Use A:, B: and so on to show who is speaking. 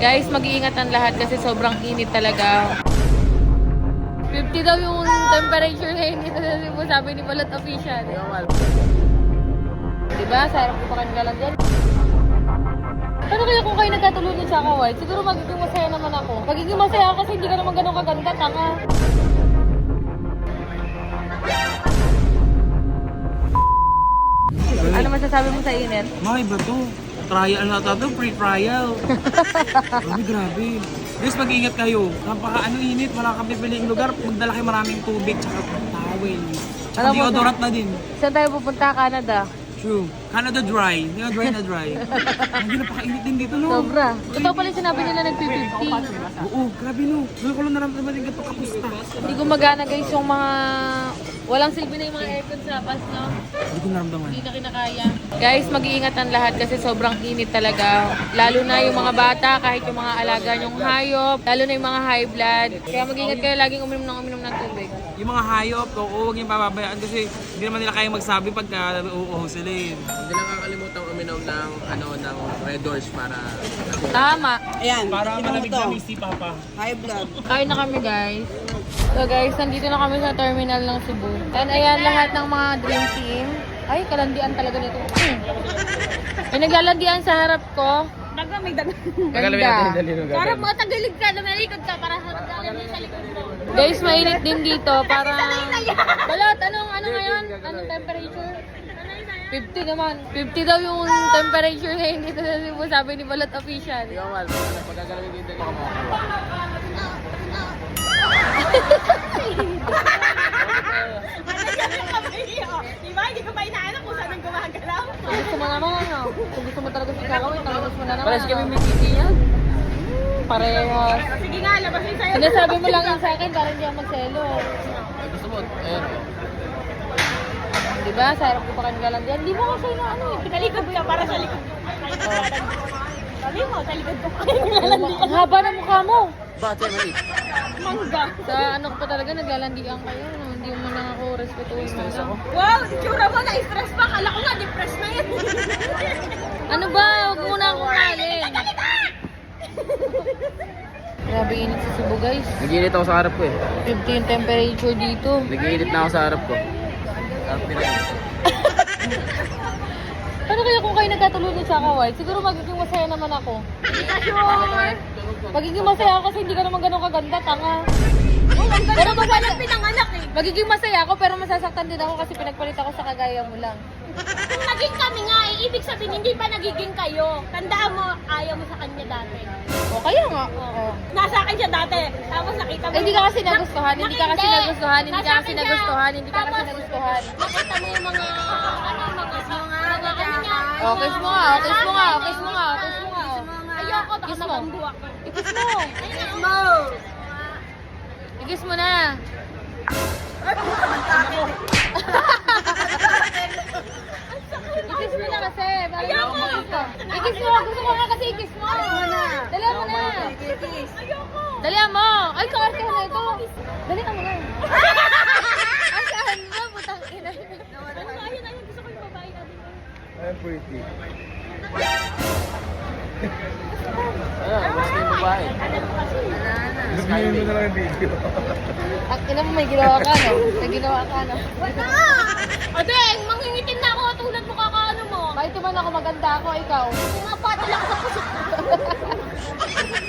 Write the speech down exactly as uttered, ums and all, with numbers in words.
A: Guys, mag-iingat ang lahat kasi sobrang init talaga. fifty daw yung temperature ngayon dito sa Cebu, sabi ni Balot Official. Diba? Sarap ko pa kanila lang dyan. Ano kaya kung kayo nagkatulunan sa Kawal? Siguro magiging masaya naman ako. Magiging masaya ako kasi hindi ka naman ganun kaganda, tanga. Ano masasabi mo sa init?
B: May ba to? Trial na ito, free trial. Grabe, grabe. Guys, mag-iingat kayo. Napaka ano init, wala kang pipiling lugar. Magdala kayo maraming tubig, tsaka towel. Tsaka
A: Alam mo,
B: deodorant na din.
A: Saan tayo pupunta? Canada.
B: True. Canada dry. Hindi na dry na dry. Hindi napaka-init din dito, no?
A: Sobra. Ito pala yung sinabi nila nag-fifty.
B: Oo, grabe no. Doon ko lang naramdaman din ganito kapusta.
A: Hindi gumagana guys yung mga... Walang silbi na yung mga aircon sa labas, no?
B: Hindi ko naramdaman.
A: Hindi na kinakaya. Guys, mag-iingat ang lahat kasi sobrang init talaga. Lalo na yung mga bata, kahit yung mga alaga nyong hayop, lalo na yung mga high blood. Kaya mag-iingat kayo laging uminom ng uminom ng tubig.
B: Yung mga hayop, oo, huwag yung pababayaan kasi hindi naman nila kayang magsabi pagka uuho sila eh.
C: Hindi lang kakalimutan uminom ng ano ng Red Doors para
A: Tama.
D: Ayan,
B: Para
D: inom
B: malamig
D: to.
B: na si Papa.
D: High blood.
A: Kain na kami guys. So guys, nandito na kami sa terminal ng Cebu. And ayan lahat ng mga dream team. Ay, kalandian talaga nito. Hmm. May naglalandian sa harap ko.
D: Daga, may daga.
A: Ganda.
D: Para mga tagalig ka, lumalikod ka para sa magaling sa likod mo.
A: Guys, mainit din dito. Parang... Balot, anong, ano ngayon? Anong temperature? fifty naman. fifty daw yung temperature ngayon dito sa Cebu, sabi ni Balot Official.
C: Ikaw mal, pagkagalamig din din ako mo.
D: Diba? Hindi ko pa inaalam kung saan ang gumagalaw.
A: Kung gusto mo naman, ano? Kung gusto mo talaga si Kakawin, talagos mo na naman.
B: Parehas kami
A: ano?
B: may titi yan.
A: Parehas.
D: Sige nga, labasin sa'yo.
A: Sinasabi mo lang yun sa akin para hindi ako magselo.
C: Ay, gusto mo? Ayan.
A: Diba? Sarap ko pa kanila lang dyan. Di mo kasi na ano eh.
D: Pinalikod ka para sa likod. Sabi mo, sa likod ko.
A: Ang haba ng mukha mo.
C: Bakit sa'yo mali?
D: Mangga.
A: Sa ano ko pa talaga, naglalandian kayo. No? Hindi mo na ako respetuhin mo lang.
D: Wow, itsura mo, na-stress pa. Kala ko nga, depressed na yan.
A: Ano ba? Huwag mo na akong malin. Grabe init sa Cebu guys.
C: Nag-iinit ako sa harap ko eh.
A: fifty yung temperature dito.
C: Nag-iinit na ako sa harap ko. Harap nila.
A: Ano kaya kung kayo nagkatulunan sa Kawal? Siguro magiging masaya naman ako.
D: Sure.
A: Magiging masaya ako kasi hindi ka naman ganun kaganda, tanga.
D: Pero ba pala pinanganak eh.
A: Magiging masaya ako pero masasaktan din ako kasi pinagpalit ako sa kagaya mo lang.
D: Kung naging kami nga eh, ibig sabihin hindi pa nagiging kayo. Tandaan mo, ayaw mo sa kanya dati.
A: O kaya nga. Oo.
D: Nasa akin siya dati. Tapos nakita mo.
A: Eh, hindi ka kasi nagustuhan, hindi ka kasi
D: Hindi.
A: nagustuhan, hindi ka
D: Nasa
A: kasi
D: akin siya.
A: nagustuhan, hindi ka kasi
D: Tapos,
A: nagustuhan.
D: Nakita mo yung mga, ano, mga, mga, mga, ano niya.
A: O, kiss mo nga, o, kiss mo nga, o, kiss mo nga, o, kiss mo nga. o.
D: Ayoko, baka
A: Kiss mo.
D: nabambu ako.
A: I-kiss mo.
D: Kiss mo.
A: I-kiss mo na. I-kiss mo na kasi. Para
D: Ayoko.
A: I-kiss mo. Gusto ko nga kasi i-kiss mo. Dali mo na.
D: Ayoko.
A: Dali mo. Ay, kakarte na ito. Dali mo na. Asahan mo, putang ina.
D: Ano, ayun, ayun, gusto ko yung babae natin.
C: I'm pretty. Ayan, gusto yung babae.
B: Sabihin mo na lang yung video.
A: Ang ina mo, may ginawa ka, no? May ginawa ka, no?
D: Wala! Ate, mangingitin na ako tulad mo kakaano mo.
A: Kahit naman ako maganda ako, ikaw.
D: Mga patil ako sa puso.